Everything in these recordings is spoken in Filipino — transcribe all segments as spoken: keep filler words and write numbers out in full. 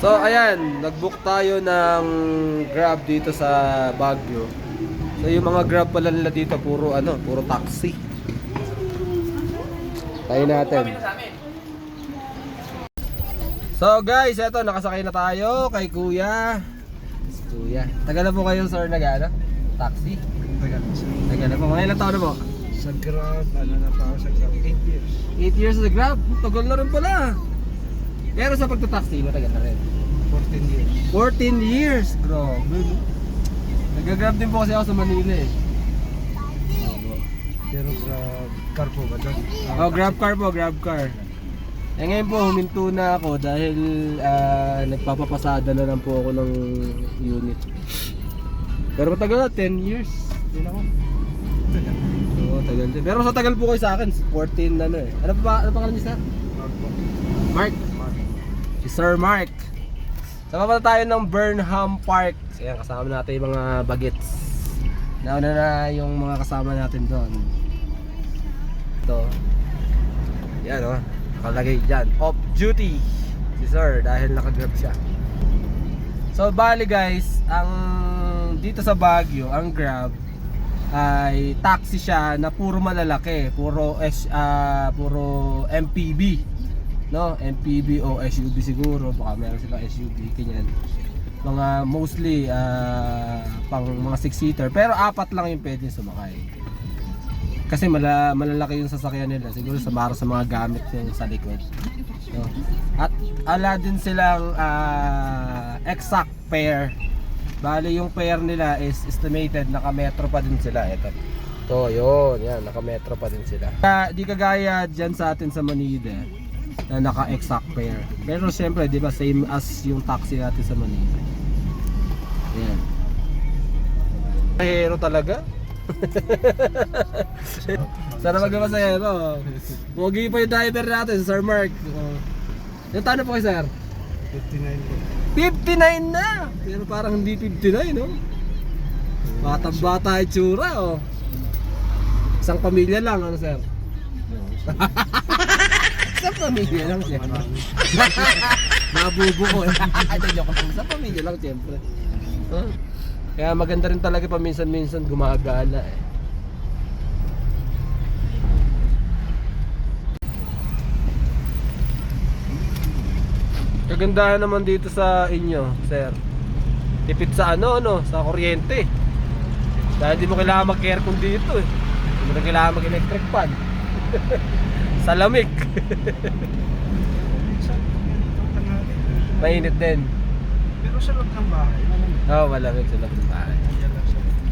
So ayan, nag-book tayo ng Grab dito sa Baguio. So yung mga Grab pala nila dito puro ano, puro taxi. Tayo natin. So guys, eto nakasakay na tayo kay Kuya. Si Kuya. Tagal na po kayo sir nag-ano? Taxi? Tagal na siya. Tagal na po. Mga ilang taon na po? Sa Grab, ano na pa ako sa Grab? eight years. eight years sa Grab. Tagal na rin pala. Pero sa pagta-taxi, matagal na rin. fourteen years. fourteen years. Grabe. No? Nag-grab din po kasi ako sa Manila eh. Pero Grab, car po ba doon? Oh, grab car po, grab car. Eh ngayon po huminto na ako dahil ah, nagpapapasada na lang po ako ng unit. Pero matagal na, ten years. Yun ako. Tagal. Oo, tagal din. Pero sa tagal po kayo sa akin, fourteen ano eh. Ano pa ano pangalan niyo sir? Grab po. Mark. Mark. Si Sir Mark. Sama pa tayo ng Burnham Park. Ayan, kasama natin yung mga bagets. Nauna na yung mga kasama natin doon. Ito. Yan o. Oh. Nakalagay dyan. Off duty. Si Sir dahil nakagrab siya. So bali guys, ang dito sa Baguio, ang Grab ay taxi siya na puro malalaki. Puro, S, uh, puro M P V. No, M P V o S U V siguro, baka meron silang S U V ganyan. Mga mostly uh, pang mga six seater, pero apat lang yung pwedeng sumakay. Kasi mala, malalaki yung sasakyan nila, siguro sa para sa mga gamit yung sa likod. No? At ala din silang uh, exact pair. Bali yung pair nila is estimated naka-metro pa din sila ito. To, yun, yan, naka-metro pa din sila. Uh, di kagaya diyan sa atin sa Manila na naka-exact pair. Pero siyempre, di ba, same as yung taxi natin sa Manila. Ayan. Hero talaga. Sana magmasahero. Pogi pa yung driver natin, Sir Mark. Oh. Yung taon na po kayo, sir? fifty-nine po. fifty-nine na! Pero parang hindi fifty-nine, no? Batang bata yung tsura, oh. Isang pamilya lang, ano, sir? Isang pamilya lang, siyempre. Nabubo ko, eh. Joke lang. Isang pamilya lang, siyempre. Huh? Kaya maganda rin talaga paminsan-minsan gumagala, eh. Kagandahan naman dito sa inyo, sir. Tipid sa ano, ano, sa kuryente. Dahil di mo kailangan mag-aircon dito eh. Di mo na kailangan mag-electric fan. Sa lamig. Minsan, itong tanghali. Mainit din. Pero sa loob ng bahay, malamig. Oo, oh, malamig sa loob ng bahay. Yan lang sa loob.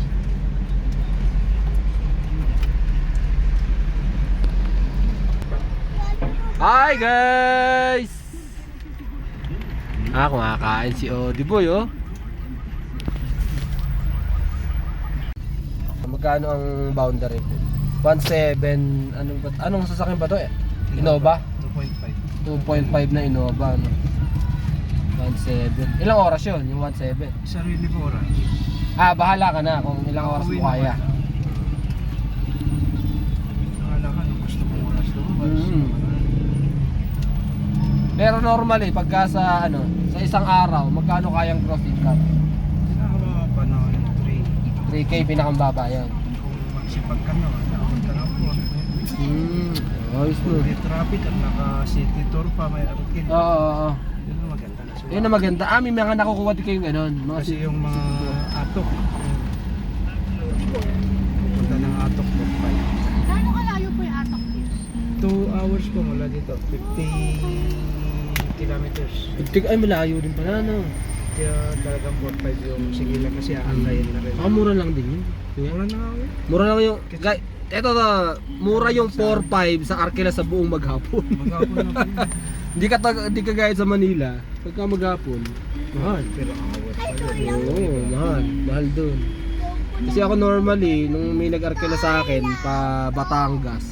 Hi guys! Ah, kumakain si Odiboy, oh. Magkano ang boundary? one seven, anong, anong sasakyan ba to eh? Innova? two point five. two point five na Innova, no? one seven. Ilang oras yun, yung one seven? Sarili po oras. Ah, bahala ka na kung ilang oras mo kaya. Nakala ka, nung gusto mong oras lumabas. Mm. Pero normally, pagka sa ano, sa isang araw, magkano kayang gross income? Pinakababa pa na yung three. three K pinakambaba yan. Kung magsipag ka na, nakapunta na po. Hmm, ayos no. May traffic at naka-city tour pa, may arkin. Oo, oo, oo. Yun ang maganda na siya. Yun ang maganda. Ah, may mga nakukuha din kayong ganun. Mga Kasi yung mga atok, punta ng atok po pa. Gaano kalayo po yung atok niyo? two hours po mula dito, fifty kilometers. Tig ay malayo din pala no. Kaya talagang four five yung sigilan kasi aantayin na rin. Ah, mura lang din yun. Mura na ako eh. Mura lang yung guys, eto to, mura yung four five sa Arkela sa buong maghapon. Maghapon na po yun. Hindi ka tag- hindi ka gaya sa Manila, pagka maghapon, mahal. Pero hours pa yun. Oo, mahal, mahal doon. Kasi ako normally nung may nag-Arkela sa akin pa Batangas,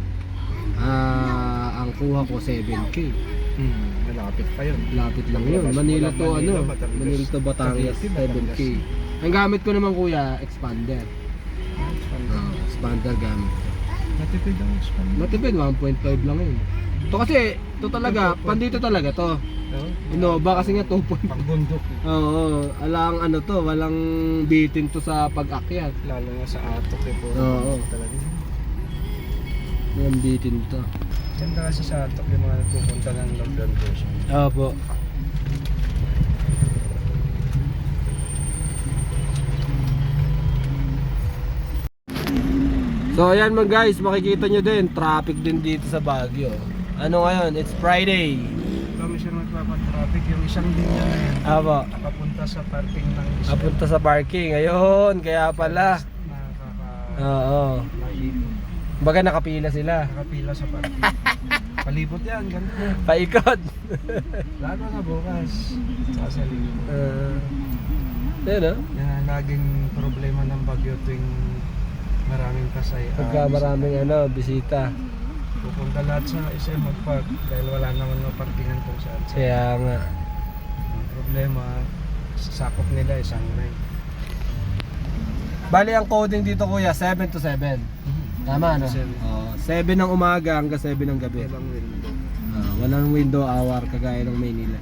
ah ang kuha ko seven K. Hmm, malapit pa yun. Lapit lang yun. Manila to ano, Manila to Batangas seven K. Ang gamit ko naman kuya, expander. Oh, expander gamit. Matipid ang expander. Matipid, one point five lang yun. To kasi, to talaga, pandito talaga to. No? Innova kasi nga two point. Pagbundok. Oo, alang ano to, walang bitin to sa pag-akyat. Lalo na sa atok eh po. Oo. Talaga. Walang bitin to. Ganda kasi sa atok yung mga nagpupunta ng London version. Opo. So ayan mga guys, makikita nyo din, traffic din dito sa Baguio. Ano ngayon? It's Friday. Kami siya magpapatraffic yung isang linya na yan. Apo. Nakapunta sa parking ng isa. Apunta sa parking. Ayun, kaya pala. Nakaka... Oo. Maikot. Baga nakapila sila. Nakapila sa parking. Palibot yan, ganda. Paikot. Lalo na bukas. Sasaling. Uh, Ayun oh. Yan ang laging problema ng Baguio tuwing maraming kasay. Pagka maraming ano, bisita. Pupunta lahat sa S M mag-park dahil wala naman maparkingan kung saan. Kaya nga. Ang problema, sakop nila isang night. Bali ang coding dito kuya, seven to seven. Tama no? Seven. Oo, seven ng umaga hanggang seven ng gabi. Ibang window. Ah, walang window hour kagaya ng Maynila.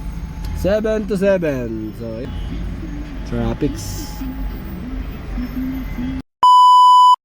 seven to seven. So, traffics.